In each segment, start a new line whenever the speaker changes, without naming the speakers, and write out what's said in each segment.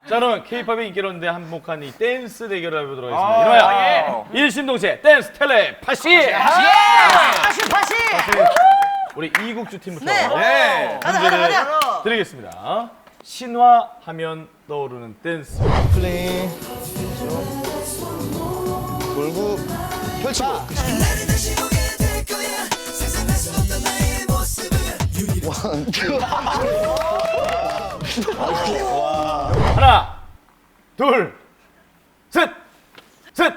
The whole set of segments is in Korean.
자, 그러면 K-팝의 인기로운데 한몫한 이 댄스 대결을 해보도록 하겠습니다. 이노야, 일심동체 댄스 텔레파시!
파시!
우리 이국주 팀부터
네.
문제를 드리겠습니다. 신화하면 떠오르는 댄스.
플레이 돌고 펼치고
하나, 둘, 셋! 셋!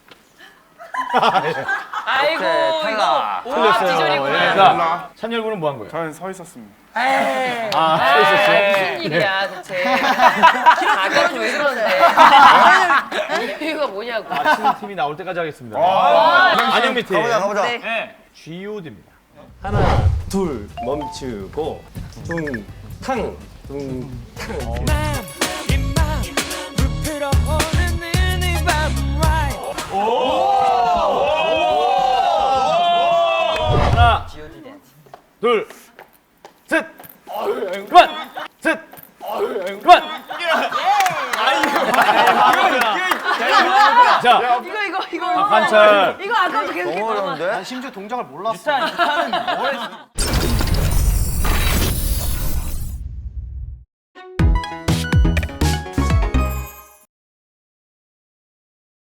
아이고 이거 오합
틀렸어요.
지졸이구나.
자, 찬열군은 뭐 한 거예요?
저는 서 있었습니다.
아, 서 있었어요?
무슨 일이야 대체. 가격이 왜 그러는데. 이유가 뭐냐고.
맞히는 팀이 나올 때까지 하겠습니다. 안영미 팀.
가보자.
네.
G.O.D입니다.
하나, 둘, 멈추고, 둥탕, 둥탕.
하나, 둘, 셋! 그만! 셋! 그만! 자,
이거
관찰.
이거 아까부터 계속
너무 어려운데?
심지어 동작을 몰랐어.